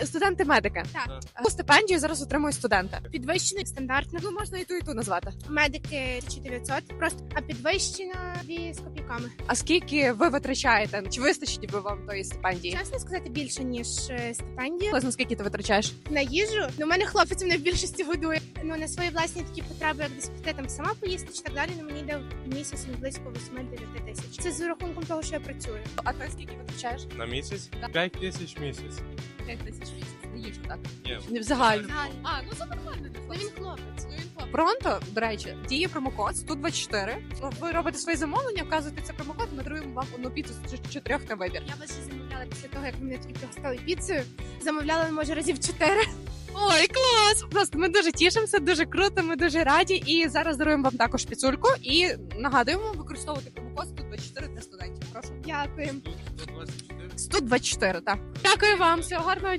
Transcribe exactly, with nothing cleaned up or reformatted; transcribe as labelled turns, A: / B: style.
A: студенти-медики.
B: Так.
A: Яку стипендію зараз отримують студенти?
B: Підвищений стандартно.
A: Ну, можна і ту, і ту назвати.
B: Медики тисяча дев'ятсот, просто, а підвищена дві з копійками.
A: А скільки ви витрачаєте? Чи вистачить би вам тої стипендії?
B: Чесно сказати, більше, ніж е, стипендія.
A: Приблизно скільки ти витрачаєш?
B: На їжу, ну, у мене хлопець мене в більшості годує. Ну, на свої власні такі потреби, як десь піти там сама поїсти чи так далі, ну, мені йде в місяць ну, близько вісім-дев'ять тисяч. Це з рахунком того, що я працюю.
A: А ти скільки витрачаєш?
C: На місяць? п'ять тисяч місяць.
A: п'ять тисяч місяць. Не їжу, так?
C: Ні.
A: Не в загальному.
B: Загально.
A: А, ну це нормально.
B: Ну, він хлопець.
A: Ну, він хлопець. Пронто, до речі, діє промокод сто двадцять чотири. Ви робите свої замовлення, вказуєте це промокод, ми даруємо вам одну піцу з чотирьох на вибір.
B: Я вас вже замовляла після того, як ви мене тільки пригостили піцею. Замовляла, може, разів чотири.
A: Ой, клас! Просто ми дуже тішимося, дуже круто, ми дуже раді. І зараз даруємо вам також піцульку. І нагадуємо використовувати промокод сто двадцять чотири для студентів. Прошу.
B: Дякую.
C: сто двадцять чотири.
A: сто двадцять чотири, так. Дякую вам, всього гарного